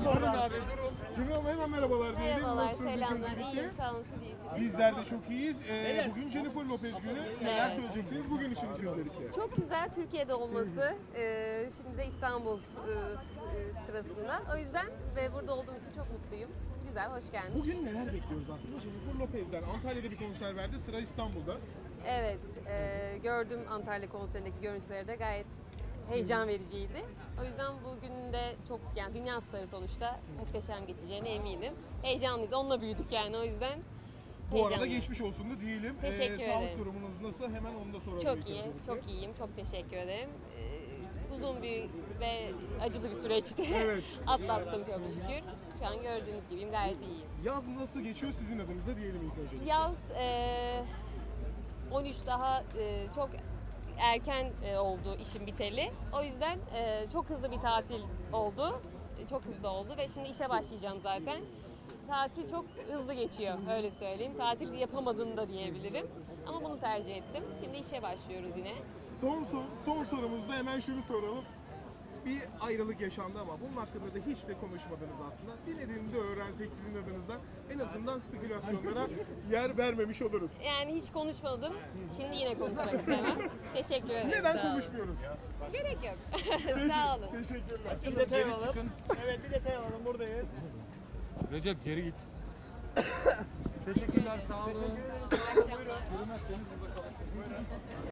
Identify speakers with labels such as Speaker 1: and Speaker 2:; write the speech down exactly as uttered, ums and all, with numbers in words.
Speaker 1: Durun abi durun.
Speaker 2: Cemil hemen merhabalar diyelim.
Speaker 3: Merhabalar,
Speaker 2: Nasılsınız ilk
Speaker 3: selamlar.
Speaker 2: öncelikle?
Speaker 3: İyiyim, sağ olun, siz iyisiniz.
Speaker 2: Bizler de çok iyiyiz. Ee, bugün Jennifer Lopez günü. Neler
Speaker 3: Evet.
Speaker 2: söyleyeceksiniz bugün için öncelikle?
Speaker 3: Çok güzel Türkiye'de olması, e, şimdi de İstanbul e, e, sırasında. O yüzden ve burada olduğum için çok mutluyum. Güzel, hoş gelmiş.
Speaker 2: Bugün neler bekliyoruz aslında Jennifer Lopez'den? Antalya'da bir konser verdi, sıra İstanbul'da.
Speaker 3: Evet, e, gördüm Antalya konserindeki görüntüleri de gayet heyecan vericiydi. O yüzden bugün de çok, yani dünya starı sonuçta muhteşem geçeceğine eminim. Heyecanlıyız, onunla büyüdük yani o yüzden.
Speaker 2: Bu arada
Speaker 3: heyecanlıyım.
Speaker 2: geçmiş olsun da diyelim.
Speaker 3: Teşekkür
Speaker 2: Sağlık
Speaker 3: ederim.
Speaker 2: durumunuz nasıl? Hemen onu da soralım.
Speaker 3: Çok
Speaker 2: ilk
Speaker 3: iyi,
Speaker 2: öncelikle.
Speaker 3: çok iyiyim. Çok teşekkür ederim. Ee, uzun bir ve acılı bir süreçti.
Speaker 2: Evet.
Speaker 3: Atlattım çok şükür. Şu an gördüğünüz gibiyim, gayet iyiyim.
Speaker 2: Yaz nasıl geçiyor sizin adınıza diyelim ilk öncelikle.
Speaker 3: Yaz e, on üç daha e, çok erken e, oldu işim biteli. O yüzden e, çok hızlı bir tatil oldu. E, Çok hızlı oldu ve şimdi işe başlayacağım zaten. Tatil çok hızlı geçiyor, öyle söyleyeyim. Tatil yapamadım da diyebilirim. Ama bunu tercih ettim. Şimdi işe başlıyoruz yine.
Speaker 2: Son, son, son sorumuzda hemen şunu soralım. Bir ayrılık yaşandı ama bunun hakkında da hiç de konuşmadınız aslında. Bir nedenini de öğrensek sizin adınızdan en azından spekülasyonlara yer vermemiş oluruz.
Speaker 3: Yani hiç konuşmadım. Şimdi yine konuşmak istemem. Teşekkür ederim. sağ
Speaker 2: Neden
Speaker 3: olun.
Speaker 2: konuşmuyoruz?
Speaker 3: Gerek yok. Sağ olun.
Speaker 2: Teşekkürler.
Speaker 1: Bir detay alalım.
Speaker 4: Evet bir detay alalım buradayız.
Speaker 1: Recep geri git. Teşekkürler sağ olun.
Speaker 3: İyi akşamlar.
Speaker 1: Yürümezseniz burada kalırsınız.